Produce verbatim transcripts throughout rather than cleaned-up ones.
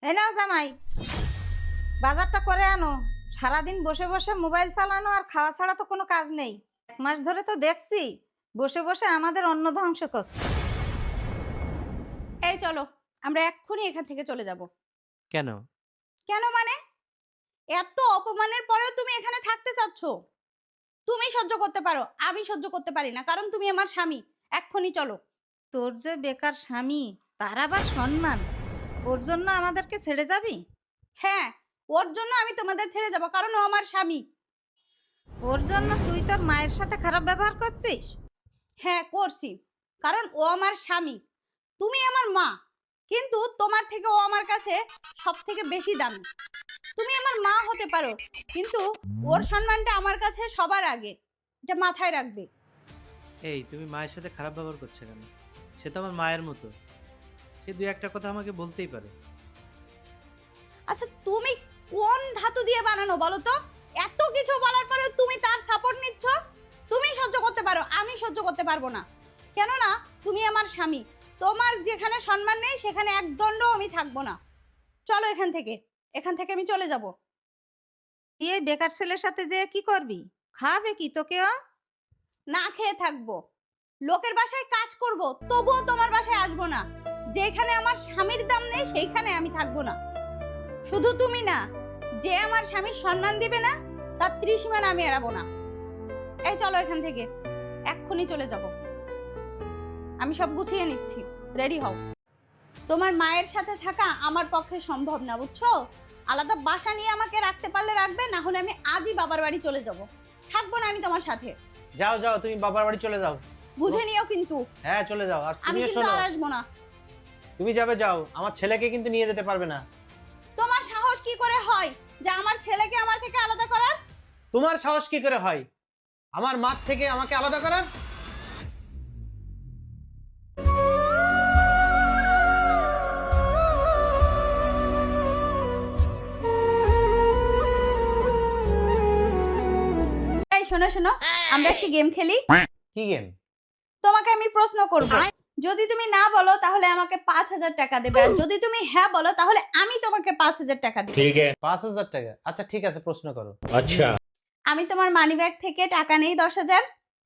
এই নাও জামাই, বাজারটা করে আনো। সারাদিন বসে বসে মোবাইল চালানো আর খাওয়া ছাড়া তো কোনো কাজ নেই। এক মাস ধরে তো দেখছি বসে বসে আমাদের অন্ন ধ্বংস করছে। এই চলো, আমরা এক্ষুনি এখান থেকে চলে যাব। কেন? কেন মানে? এত অপমানের পরেও তুমি এখানে থাকতে চাচ্ছ? তুমি সহ্য করতে পারো, আমি সহ্য করতে পারি না, কারণ তুমি আমার স্বামী। এক্ষুনি চলো। তোর যে বেকার স্বামী, তার আবার সম্মান, ওর জন্য আমাদেরকে ছেড়ে যাবি? হ্যাঁ, ওর জন্য আমি তোমাদের ছেড়ে যাব, কারণ ও আমার স্বামী। ওর জন্য তুই তোর মায়ের সাথে খারাপ ব্যবহার করছিস? হ্যাঁ করছি, কারণ ও আমার স্বামী। তুমি আমার মা, কিন্তু তোমার থেকে ও আমার কাছে সব থেকে বেশি দামি। তুমি আমার মা হতে পারো, কিন্তু ওর সম্মানটা আমার কাছে সবার আগে, এটা মাথায় রাখবে। এই তুমি মায়ের সাথে খারাপ ব্যবহার করছো কেন? সে তো আমার মায়ের মতো, সে দুই একটা কথা আমাকে বলতেই পারে। আচ্ছা তুমি কোন ধাতু দিয়ে বানানো বলো তো? এত কিছু বলার পরেও তুমি তার সাপোর্ট নিচ্ছ? তুমি সহ্য করতে পারো, আমি সহ্য করতে পারবো না। কেননা তুমি আমার স্বামী। তোমার যেখানে সম্মান নেই সেখানে এক দণ্ডও আমি থাকবো না। চলো এখান থেকে, এখান থেকে আমি চলে যাব। তুই এই বেকার ছেলের সাথে যে কি করবি? খাবে কি তোকে ও? না খেয়ে থাকবো, লোকের বাসায় কাজ করব, তবুও তোমার বাসায় আসবো না। যেখানে আমার স্বামীর দাম নেই সেইখানে আমি থাকবো না। শুধু তুমি না, যে আমার স্বামীর সম্মান দিবে না তার ত্রিসীমানা আমি এড়াবো না। এই চলো এখান থেকে, এক্ষুনি চলে যাব। আমি সব গুছিয়ে নিচ্ছি, রেডি হও। তোমার মায়ের সাথে থাকা আমার পক্ষে সম্ভব না, বুঝছো? আলাদা বাসা নিয়ে আমাকে রাখতে পারলে রাখবে, না হলে আমি আজই বাবার বাড়ি চলে যাব। থাকবো না আমি তোমার সাথে। যাও যাও, তুমি বাবার বাড়ি চলে যাও। বুঝে নিও কিন্তু। হ্যাঁ চলে যাও। আর আমি তুমিও কিন্তু শোনো, আর আসবো না। তুমি যাবে যাও, আমার ছেলেকে কিন্তু নিয়ে যেতে পারবে না। তোমার সাহস কি করে হয় যে আমার ছেলেকে আমার থেকে আলাদা করার? তোমার সাহস কি করে হয় আমার মা থেকে আমাকে আলাদা করার? এই শোনো শোনো, আমরা একটি গেম খেলি। কি গেম? তোমাকে আমি প্রশ্ন করব, যদি তুমি না বলো তাহলে আমাকে পাঁচ হাজার টাকা দেবে, আর যদি তুমি হ্যাঁ বলো তাহলে আমি তোমাকে পাঁচ হাজার টাকা দেব। ঠিক আছে, পাঁচ হাজার টাকা? আচ্ছা ঠিক আছে, প্রশ্ন করো। अच्छा আমি তোমার মানিব্যাগ থেকে টাকা নেই দশ হাজার।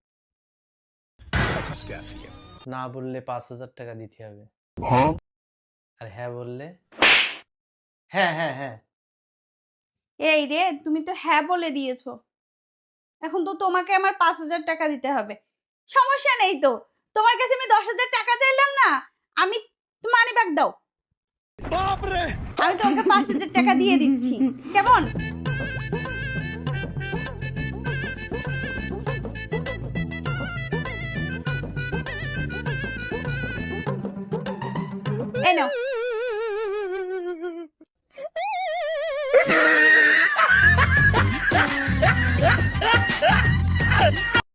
না বললে পাঁচ হাজার টাকা দিতে হবে, আর হ্যাঁ বললে? হ্যাঁ হ্যাঁ হ্যাঁ। এই রে, তুমি তো হ্যাঁ বলে দিয়েছো, এখন তো তোমাকে আমার পাঁচ হাজার টাকা দিতে হবে। সমস্যা নেই তো, তোমার কাছে আমি দশ হাজার টাকা চাইলাম না, আমি মানিব্যাগ দাও, আমি তোমাকে পাঁচ হাজার টাকা দিয়ে দিচ্ছি, কেমন? এই নাও